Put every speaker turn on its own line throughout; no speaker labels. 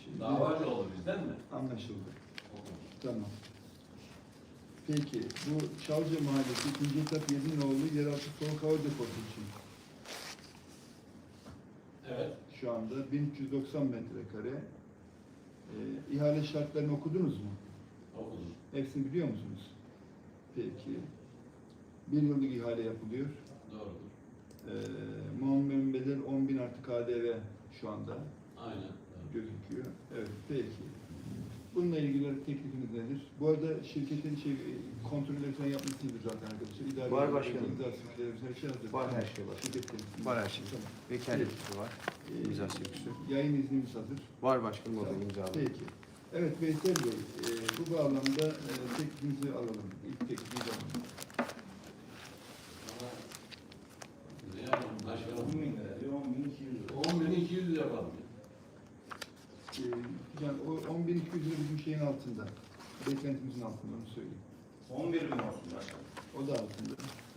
Şimdi,
Davacı oldu bizden mi?
anlaşıldı. Tamam. Peki, bu Çalca Mahallesi 2. etap Yedinoğlu yeraltı soğuk hava deposu için
Evet.
şu anda 1390 metrekare. İhale şartlarını okudunuz mu?
Okudum.
Hepsini biliyor musunuz? Peki. Bir yıllık ihale yapılıyor.
Doğrudur.
Muammer bedel 10.000 artı KDV şu anda
Aynen. Evet.
gözüküyor. Evet, peki. Bununla ilgili teklifiniz nedir? Bu arada şirketin kontrolleri falan yapmışsınızdır zaten arkadaşlar. İdare
Var başkanım.
İmza sürüklerimiz her şey hazır.
Var, her şey var.
Şirketlerin.
Var her şey.
Tamam.
Vekaleti var. İmza sürücüsü.
Yayın iznimiz hazır.
Var başkanım, o da
Tamam.
imzalı.
Peki. Evet Veysel Bey, bu bağlamda teklifinizi alalım. İlk teklifinizi alalım.
Ama ne yapalım başkanım?
10.000 lira diyor, 10.200 lira.
10.200 yapalım.
Yani o 10.200 lira bizim şeyin altında. Beklentimizin altında, onu söyleyeyim.
11.000 olsun başkanım.
O da altında.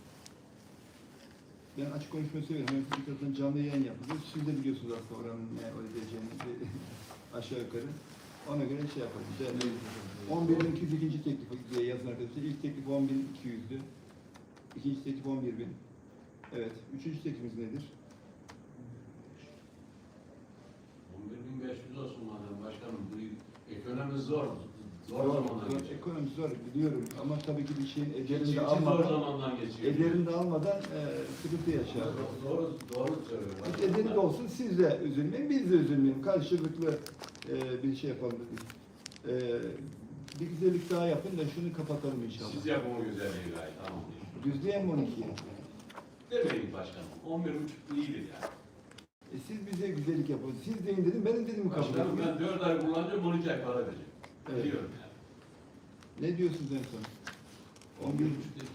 Ben açık konuşmayı severim. Hem Fırkatı'nın canlı yayın yapılıyor. Siz de biliyorsunuz aslında oranın ne ödeyeceğini aşağı yukarı. Ona göre şey yapalım. 11.200 ikinci teklif diye yazın arkadaşlar. İlk teklif 10.200'dü. İkinci teklif 11.000. Evet. Üçüncü teklifimiz nedir?
11.500 olsun madem başkanım. Bu ekonomimiz zor. Zor zamandan geçiyor.
Ekonomi zor biliyorum ama tabii ki bir şeyin
Çiftçi
ederini de
zor
almadan,
zamandan geçiyor.
ederini de almadan sıkıntı yaşar.
Doğru söylüyorum.
Ederi de olsun, siz de üzülmeyin, biz de üzülmeyelim. Karşılıklı bir şey yapalım dedik. Bir güzellik daha yapın da şunu kapatalım inşallah.
Siz yapın o güzelliği gayet. Tamam.
Düzleyen mi 12'ye?
Demeyin başkanım. 11.5 iyidir yani.
Siz bize güzellik yapın. Siz deyin dedim, benim dediğimi kabul
Başkanım
edin.
ben 4 ay kullanacağım, 12 ay para vereceğim.
Evet.
Biliyorum yani.
Ne diyorsunuz en son? 11.
11.5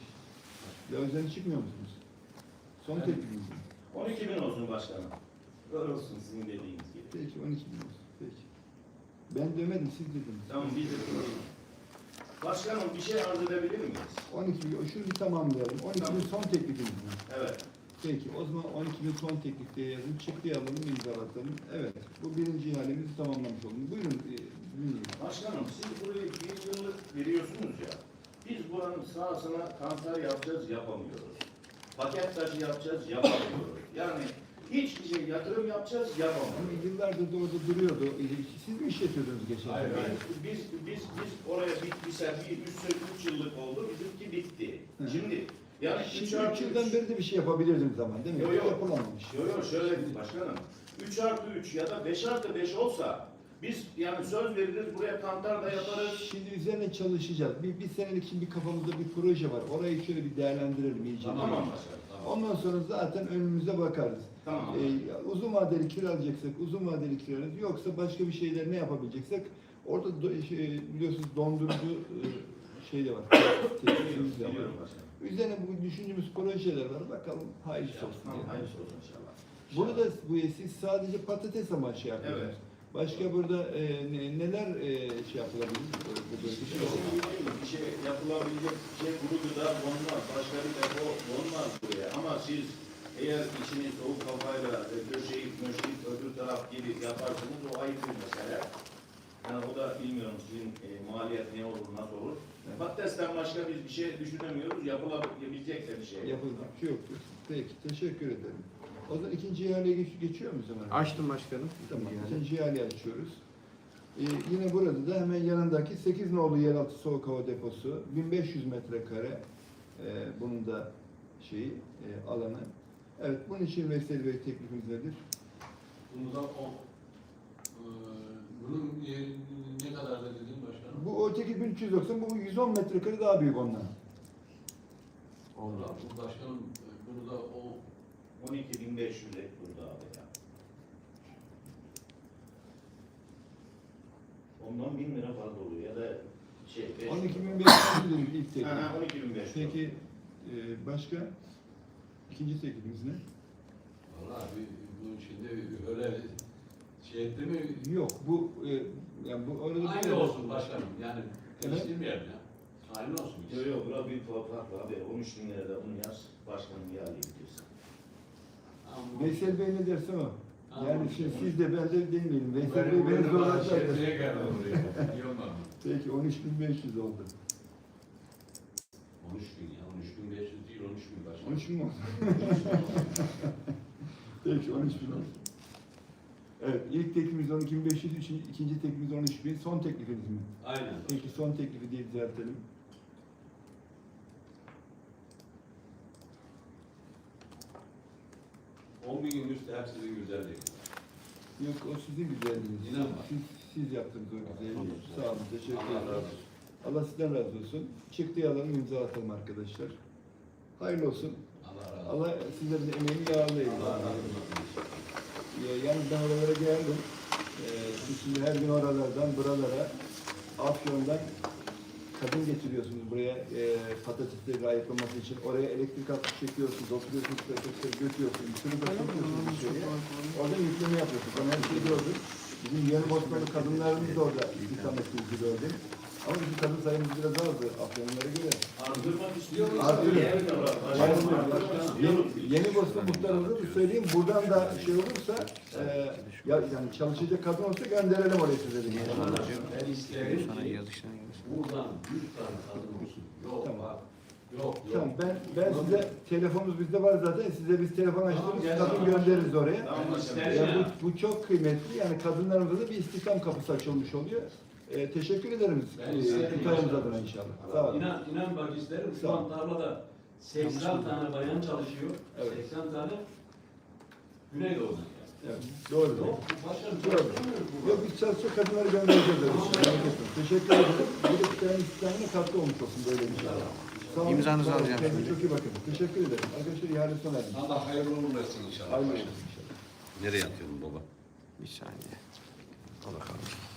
Ya üzerine çıkmıyor musunuz? Son
Evet.
teklifiniz mi?
12.000 olsun başkanım. Öyle olsun sizin dediğiniz gibi.
Peki 12 bin olsun. Peki. Ben demedim, siz dediniz.
Tamam biz de dinleyelim. Başkanım bir şey arz edebilir miyiz?
12 bin, şunu bir tamamlayalım. 12 bin
Tamam.
son teklifiniz mi?
Evet.
Peki, o zaman 12 bin son teklif diye yazın. Çıktıyı alalım, imzalatalım. Evet, bu birinci ihalemizi tamamlamış olduk. Buyurun, dinleyin.
Başkanım siz burayı bir yıllık veriyorsunuz ya. Biz buranın sahasına kanser yapacağız, yapamıyoruz. Paket taşı yapacağız, yapamıyoruz. Yani hiçbir şey yatırım yapacağız,
Ama
yapamıyoruz.
yıllardır da orada duruyordu. Siz mi işletiyordunuz geçen
Hayır,
sene?
hayır.
Biz oraya bir 3 yıllık oldu, bizimki bitti.
Hı.
Şimdi yani
Şimdi
3
3
artı
yıldan beri de bir şey yapabilirdiniz ama değil mi?
Yok, yok.
Yapılamamış.
Yok şöyle başkanım. 3 artı 3 ya da 5 artı 5 olsa biz yani söz veririz buraya kantar da yaparız.
Şimdi üzerine çalışacağız. Bir senelik şimdi bir kafamızda bir proje var. Orayı şöyle bir değerlendirelim iyice.
Tamam başkanım. Tamam.
Ondan sonra zaten önümüze bakarız.
Tamam.
Uzun vadeli kiralayacaksak uzun vadeli kiralarız. Yoksa başka bir şeyler ne yapabileceksek orada biliyorsunuz dondurucu şey de var. Tesisimiz de var.
Biliyorum başkanım.
Üzerine bu düşündüğümüz projeler var. Bakalım hayırlısı olsun.
Tamam,
diyelim.
hayırlısı olsun inşallah.
Burada siz sadece patates amaçlı yapıyorsunuz.
Evet.
Başka burada neler şey yapılabilir? Bu bölgede?
Bir şey yapılabilecek bir şey kuru gıda konmaz. Başka bir depo konmaz buraya. Ama siz eğer içini soğuk kafayla döşeyip möşeyip öbür taraf gibi yaparsanız o ayrı bir mesele. Yani o da bilmiyorum sizin maliyet ne olur, nasıl olur.
Evet.
Patatesten başka biz bir şey düşünemiyoruz. Yapılabilecek de bir şey.
Yapılacak bir şey yok diyorsun. Peki, teşekkür ederim. O zaman ikinci ihaleye geçiyor muyuz hemen?
Açtım başkanım.
Tamam,
Yani.
ikinci ihaleyi açıyoruz. Yine burada da hemen yanındaki 8 nolu yeraltı soğuk hava deposu, 1500 metrekare bunun da alanı. Evet, bunun için Veysel Bey teklifimiz nedir?
Bunun ne kadar da dedin başkanım?
Bu öteki 1390, bu 110 metrekare daha büyük ondan.
Allah, bu başkanım bunu da o
12.500 ek burada abi ya. Ondan 1000 lira fazla oluyor ya da şey
12.500 dedik ilk teklif.
12.500.
Peki başka? İkinci teklifimiz ne?
vallahi bu şimdi öyle şey etti mi?
Yok, bu yani bu arada
Aynı olsun başkanım. Yani
Evet.
değiştirmeyelim ya. Aynı olsun.
Yok yok bura bir fark var abi. 13 bin lirada bunu yaz. Başkanım ya diyorsun.
Ama
Veysel Bey ne derse o. Yani siz de ben de demeyelim. Veysel Bey
Benim
beni zorladı.
şerefliğe geldi buraya. İyi olmadı.
Peki 13.500 oldu.
13 bin ya, 13.500 değil, 13 bin başkanım.
13 bin oldu. Peki 13 bin oldu. Evet, ilk teklifimiz 12.500, ikinci teklifimiz 13.000, son teklifiniz mi?
Aynen.
Peki son teklifi diye düzeltelim.
On binin üstü hepsinin güzelliği.
Yok, o sizin güzelliğiniz.
İnan bak.
Siz yaptınız o güzelliği. Sağ olun, teşekkür
Allah razı
ederim.
olsun.
Allah sizden razı olsun. Çıktığı alalım, imza atalım arkadaşlar. Hayırlı olsun.
Allah razı olsun.
Allah sizlerin emeğini yağlayın.
Allah razı olsun.
Yalnız ben oralara geldim. Siz şimdi her gün oralardan buralara, Afyon'dan kadın getiriyorsunuz buraya patatesleri ayıklaması için. Oraya elektrik hattı çekiyorsunuz, oturuyorsunuz, patatesleri götürüyorsunuz, sınıfa çekiyorsunuz dışarıya. Orada yükleme yapıyorsunuz. Ben her şeyi gördüm. Bizim Yeni Bosnalı kadınlarımız da orada ikametimizi gördüm. Ama bizim kadın sayımız biraz azdı Afyonlara göre.
Artırmak istiyor musun?
Artırın.
Yeni
Yeni Bosna muhtarımıza da söyleyeyim. Buradan da şey olursa, yani çalışacak kadın olsa gönderelim oraya size de.
Ben isterim
Sana
ki
yazıştan gelsin.
buradan 100 tane kadın olsun. Yok
Tamam.
bak. Yok yok.
Tamam, ben size, telefonumuz bizde var zaten, size biz telefon açtırırız, kadın göndeririz oraya.
Tamam,
Bu çok kıymetli, yani kadınlarımıza da bir istihdam kapısı açılmış oluyor. Teşekkür ederim
Ben isterim
Kutayımız
inşallah.
adına inşallah. Sağ olun.
İnan bak isterim.
Sağ
Şu
ol.
an tarlada 80 tane bayan çalışıyor.
Evet.
80 tane Güneydoğu'dan.
Evet, doğru.
Yok, bu başkanım
Doğru.
çalışmıyor bu.
Yok, biz çalışacak kadınları göndereceğiz. Merak etmeyin. Teşekkür ederim. Bu da Kutay'ın istihdamına katkı olmuş olsun böyle bir şey. Sağ olun.
İmzanızı
Sağ olun.
alacağım
Kendinize
şimdi.
çok iyi bakın. Teşekkür ederim. Arkadaşlar ihale sona ermiş.
Allah hayırlı uğurlu etsin inşallah.
Hayırlı
başkanım.
olsun inşallah.
Nereye atıyorsun baba?
Bir saniye. Al bakalım.